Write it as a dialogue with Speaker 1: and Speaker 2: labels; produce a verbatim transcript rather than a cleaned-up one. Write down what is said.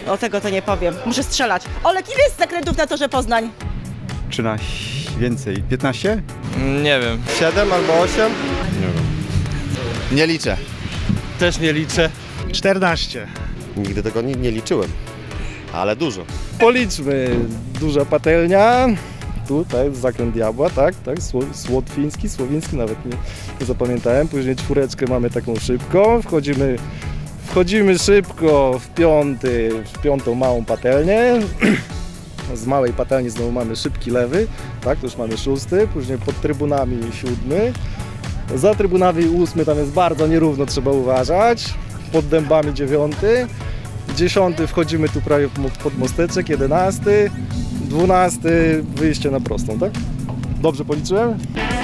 Speaker 1: O, tego to nie powiem. Muszę strzelać. Olek, ile jest zakrętów na torze Poznań?
Speaker 2: trzynaście, więcej, piętnaście?
Speaker 3: Nie wiem.
Speaker 4: siedem albo osiem?
Speaker 2: Nie wiem.
Speaker 4: Nie liczę.
Speaker 3: Też nie liczę.
Speaker 5: czternaście.
Speaker 4: Nigdy tego nie, nie liczyłem, ale dużo.
Speaker 6: Policzmy. Duża patelnia. Tutaj zakręt diabła, tak, tak, Sło- słotwiński, słowiński, nawet nie, nie zapamiętałem. Później czwóreczkę mamy taką szybką. Wchodzimy, wchodzimy szybko w piąty, w piątą małą patelnię. Z małej patelni znowu mamy szybki lewy, tak, to już mamy szósty. Później pod trybunami siódmy. Za trybunami ósmy, tam jest bardzo nierówno, trzeba uważać. Pod dębami dziewiąty. Dziesiąty wchodzimy tu prawie pod mosteczek, jedenasty. Dwunasty wyjście na prostą, tak? Dobrze policzyłem?